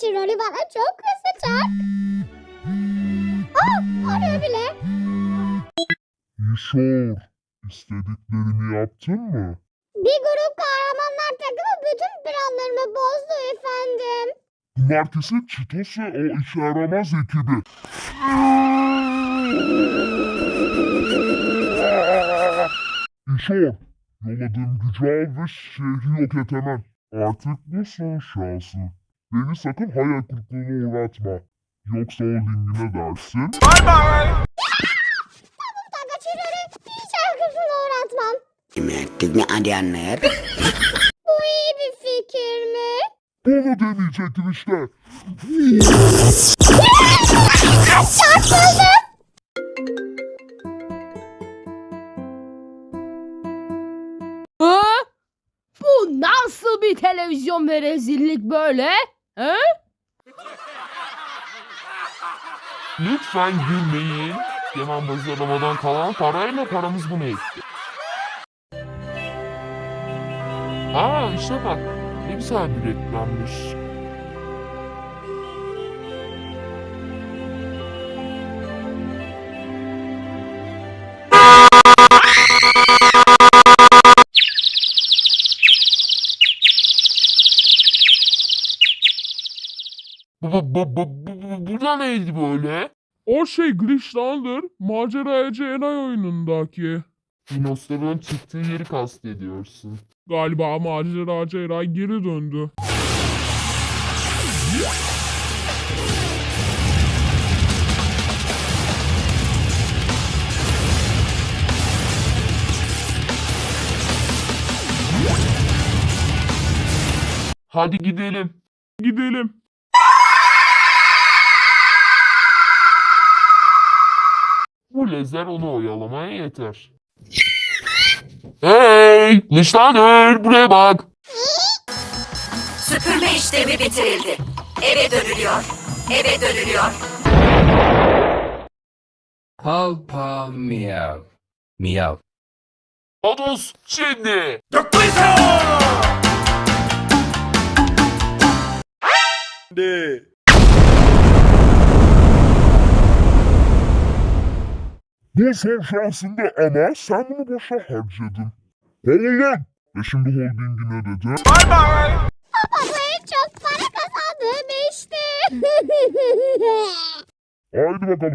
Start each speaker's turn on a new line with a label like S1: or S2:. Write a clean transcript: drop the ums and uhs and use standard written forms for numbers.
S1: için rolü bana çok kızacak. Arıyor bile.
S2: İşor, istediklerimi yaptın mı?
S1: Bir grup kahramanlar takımı bütün planlarımı bozdu efendim.
S2: Bunlar kesin Çitos ve o işe yaramaz ekibi. İşor, yolladığım gücü al ve şehri yok et hemen. Artık bu son şansın. Beni sakın hayal kırıklığına uğratma. Yoksa holdingine dersin.
S1: Kaçırları hiç arkasına uğratmam.
S3: Teknik anlayanlar.
S1: Bu iyi bir fikir mi?
S2: Bunu deneyecektim işte.
S4: Ha? Bu nasıl bir televizyon ve rezillik böyle? He?
S5: Lütfen gülmeyin. Yaman bazılamadan kalan parayla paramız bunu etti. Aa işte bak. Ne güzel bir reklammış. Bu da neydi böyle?
S6: O şey Glitch'landır. Maceracı Enay oyunundaki.
S5: Dinosaurun çıktığı yeri kastediyorsun.
S6: Galiba maceracı Eray geri döndü.
S5: Hadi gidelim.
S6: Gidelim.
S5: Bu lazer onu oyalamaya yeter. Hey! Nişanır! Buraya bak!
S3: Süpürme işlemi bitirildi. Eve dönülüyor. Eve dönülüyor.
S7: Paw Paw Meow. Meow.
S5: Odos şimdi!
S2: Bu son şansında ama sen bunu boşa harcadın. Kovul lan! Ve şimdi holdingine dedim.
S1: Babaya çok para kazandım işte.
S2: Haydi bakalım.